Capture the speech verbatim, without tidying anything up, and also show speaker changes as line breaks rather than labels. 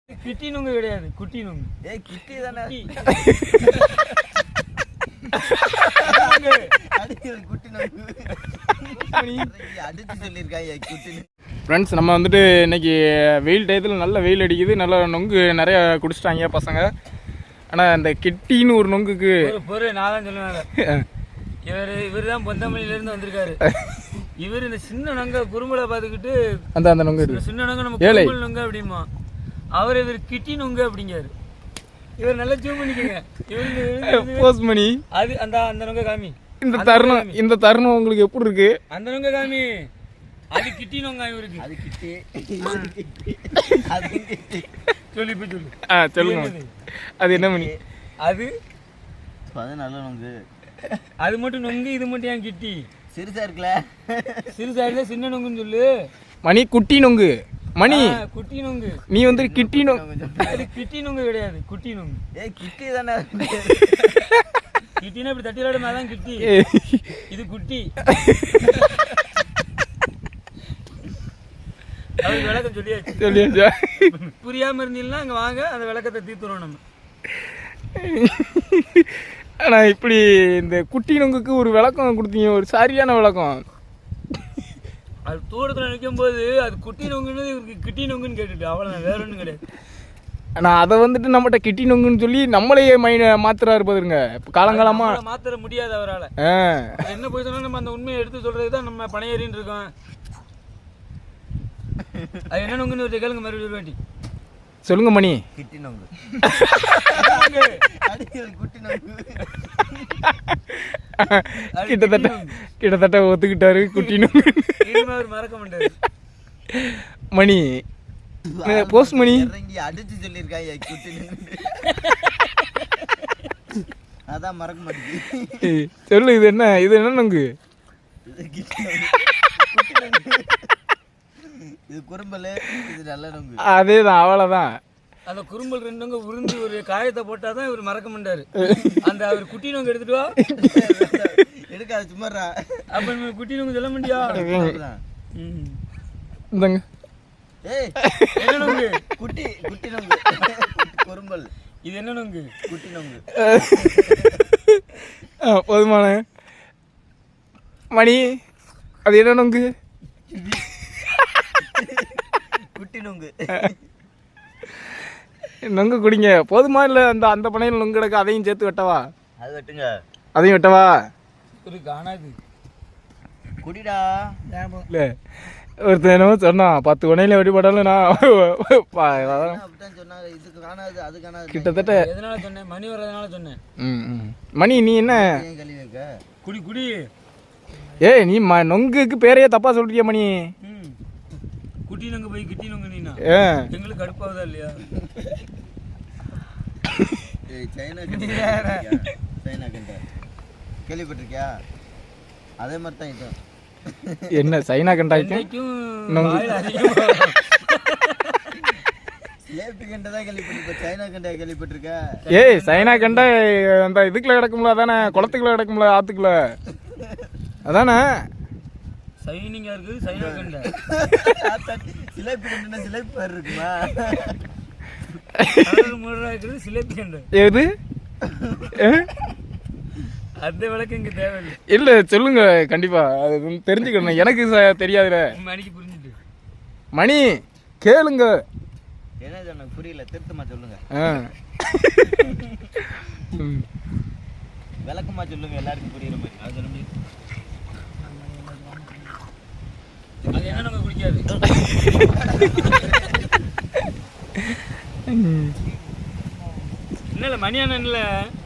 கிட்டி நுங்கு கிடையாது, குட்டி நுங்கு.
ஏய் கிட்டி தானே.
ஃப்ரெண்ட்ஸ், நம்ம வந்துட்டு இன்னைக்கு வெயில் டயத்தில் நல்ல வெயில் அடிக்குது, நல்ல நொங்கு நிறைய குடிச்சிட்டாங்க பசங்க. ஆனால் இந்த கிட்டின்னு ஒரு நொங்குக்கு
பொறு நான் தான் சொல்லுவேன். இவர் இவர் தான் பொந்தமல்லியிலேருந்து வந்திருக்காரு. இவர் இந்த சின்ன நொங்க குறும்பலை பார்த்துக்கிட்டு
அந்த அந்த நொங்கு
சின்ன நொங்க நம்ம குறும்பல் நொங்க அப்படிமா, அவர் இவர் கிட்டி நொங்கு அப்படிங்காரு. இவர் நல்லா ஜூம் பண்ணிக்கங்க. இவருக்கு
போஸ்ட் பண்ணி
அது அந்த அந்த நொங்க காமி.
இந்த தருணம் இந்த தருணம் உங்களுக்கு எப்படி இருக்கு?
அந்த நொங்க காமி. அது கிட்டி நொங்க இவருக்கு.
அது கிட்டி.
சொல்லி போய் சொல்லு.
ஆ சொல்லுங்க. அது என்ன மணி?
அது
அது நல்ல நொங்கு.
அது மட்டும் நொங்கு, இது மட்டும் ஏன் கிட்டி?
சிறுசா இருக்குல்ல.
சிறுசா இல்ல, சின்ன நொங்குன்னு சொல்லு.
மணி குட்டி நொங்கு. மணி
குட்டி நொங்கு.
நீ வந்து கிட்டி நொங்கு.
அது கிட்டி நொங்கு கிடையாது, குட்டி நொங்கு.
ஏய் கிட்டி தானே.
கிட்டினா இப்படி தட்டி விளையாடும் தான் கிட்டி. இது குட்டி. அது விளக்கம் சொல்லியாச்சு.
சொல்லியாச்சா?
புரியாம இருந்தீங்கன்னா அங்க வாங்க, அந்த விளக்கத்தை தீர்த்துறோம் நம்ம.
ஆனா இப்படி இந்த குட்டி நொங்குக்கு ஒரு விளக்கம் கொடுத்தீங்க, ஒரு சரியான விளக்கம்.
அது தூரத்தில் நிற்கும் போது அது குட்டி நொங்குன்னு இவருக்கு கிட்டி நொங்குன்னு கேட்டுட்டு அவ்வளோ, வேற ஒன்றும் கிடையாது.
ஆனால் அதை வந்துட்டு நம்மகிட்ட கிட்டி நொங்குன்னு சொல்லி நம்மளையே மைண்ட் மாத்துறாரு பாருங்க. இப்போ காலங்காலமா
மாத்திர முடியாது அவரால். என்ன போய் சொன்னா நம்ம அந்த உண்மையை எடுத்து சொல்றது தான் நம்ம பணையேறின்னு இருக்கோம். அது என்ன நொங்குன்னு ஒரு கேளுங்க மறுபடியும் வேண்டி
சொல்லுங்க மணி.
கிட்டி நொங்கு.
கிட்டத்தட்ட கிட்டத்தட்ட ஒத்துக்கிட்டாரு குட்டி நொங்கு.
மறக்க மாட்டாரு
மணி. போஸ்ட் மணி
அடிச்சு சொல்லிருக்காங்க குட்டி நொங்கு. அதான் மறக்க மாட்டேங்குது.
சொல்லு, இது என்ன? இது என்ன நொங்கு?
இது குறும்பல், இது நல்ல நொங்கு.
அதேதான், அவ்வளோதான்.
அந்த குறும்பல் ரெண்டு நொங்க உறிஞ்சி ஒரு காயத்தை போட்டால் தான் இவர் மறக்க மாட்டாரு. அந்த அவர் குட்டி நொங்கு எடுத்துட்டு வா.
எடுக்காது சும்மாறா.
அப்ப நம்ம குட்டி நொங்கு சொல்ல முடியா?
இந்தங்க.
ஏய்
என்ன நொங்கு?
குட்டி குட்டி நொங்கு. குறும்பல்.
இது என்ன நொங்கு?
குட்டி நொங்கு.
போதுமான மணி. அது என்ன நொங்கு?
குட்டி நொங்கு.
நொங்கு குடிங்க. போதுமா? இல்லை அந்த அந்த பனையில் நொங்கு கிடக்கு, அதையும் சேர்த்து வெட்டவா?
அது வெட்டுங்க.
அதையும் வெட்டவா?
ஒரு காணாது
குடிடா.
இல்லை, ஒருத்தர் என்னமோ சொன்னான், பத்து பனையில வெட்டி போட்டாலும் நான்
சொன்னாங்க. இதுக்கு காணாது, அது காணாது.
கிட்டத்தட்ட
எதனால சொன்னேன்? மணி வர்றதுனால சொன்னேன்.
ம் மணி நீ என்ன
கழி வைக்க?
குடி குடி.
ஏய் நீ ம நொங்குக்கு பேரையே தப்பா சொல்றியா மணி?
குட்டி நொங்கு போய் கிட்டி நொங்கு நீனா எங்களுக்கு கடுப்பாவதா இல்லையா?
சைனா சைனா கண்ட கேள்விப்பட்டிருக்கியா? அதே மாதிரி தான் இது.
என்ன சைனா கண்டாய்க்கும் நொங்கு
லேப்ட் கண்ட தான் கேள்விப்பட்டிருப்ப. சைனா கண்டா கேள்விப்பட்டிருக்க?
ஏய் சைனா கண்டா அந்த இதுக்குள்ள கிடக்கும்ல, அதானே? குளத்துக்குள்ள கிடக்கும்ல, ஆத்துக்குள்ள, அதானே?
சைனிங்கா இருக்குது சைனா கண்டா.
சிலேபி கண்டா சிலேபி பேர் இருக்குமா?
மூணு இருக்குது சிலேபி கண்டா.
எது?
அந்த விளக்கம் இங்க தேவையில்லை.
இல்லை சொல்லுங்க, கண்டிப்பா அது தெரிஞ்சுக்கணும். எனக்கு தெரியாதுல.
மணிக்கு புரிஞ்சுட்டு
மணி கேளுங்க.
என்ன சொன்ன புரியல, திருத்தமா சொல்லுங்க. விளக்கமா சொல்லுங்க, எல்லாருக்கும் புரியுற மாதிரி. அது சொல்ல முடியும்.
அது என்ன நம்ம குடிக்காது. என்னல மணி அண்ணன்ல